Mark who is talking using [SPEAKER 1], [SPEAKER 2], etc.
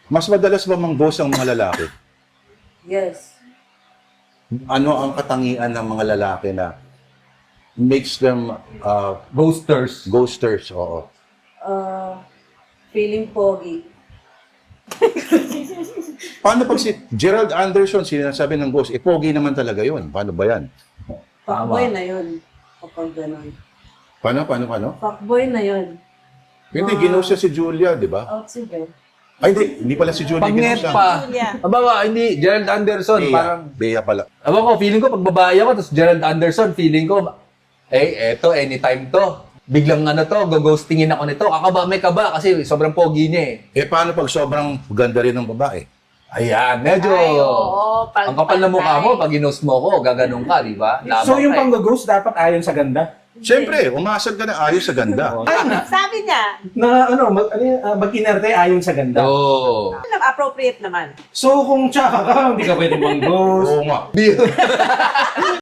[SPEAKER 1] Mas madalas ba mang-ghost ang mga lalaki?
[SPEAKER 2] Yes.
[SPEAKER 1] Ano ang katangian ng mga lalaki na makes them
[SPEAKER 3] Ghosters.
[SPEAKER 1] ghosters? Oo.
[SPEAKER 2] Feeling pogi.
[SPEAKER 1] Paano pag si Gerald Anderson sinasabi ng ghost, pogi naman talaga yun. Paano ba yan?
[SPEAKER 2] Fuckboy na yun. Kapag ganun.
[SPEAKER 1] Paano?
[SPEAKER 2] Fuckboy na yun.
[SPEAKER 1] Hindi, ginost siya si Julia, di ba?
[SPEAKER 2] Out sige.
[SPEAKER 1] Ay, hindi pala si Julia
[SPEAKER 3] Pag-net
[SPEAKER 1] ginost siya.
[SPEAKER 3] pa. Aba, hindi. Gerald Anderson, parang...
[SPEAKER 1] Bea pala.
[SPEAKER 3] Aba ko, feeling ko, pag babae ako, tapos Gerald Anderson, feeling ko, eto, anytime to. Biglang go-ghostingin ako nito. May kaba kasi sobrang pogi niya eh.
[SPEAKER 1] Paano pag sobrang ganda rin ng babae?
[SPEAKER 3] Ayan, medyo...
[SPEAKER 4] Ay, oo,
[SPEAKER 3] ang kapal na mukha mo, pag ginost mo ko, gaganong ka, di ba?
[SPEAKER 5] So yung
[SPEAKER 3] Labang ka eh.
[SPEAKER 5] pang-ghost dapat ayon sa ganda?
[SPEAKER 1] Siyempre, umasag ka na ayos sa ganda.
[SPEAKER 4] Sabi niya,
[SPEAKER 5] Na mag-inerte ayon sa ganda.
[SPEAKER 3] Oo.
[SPEAKER 4] appropriate naman.
[SPEAKER 5] So kung tsaka ka, hindi ka pwede mang-ghost.
[SPEAKER 1] Oo nga.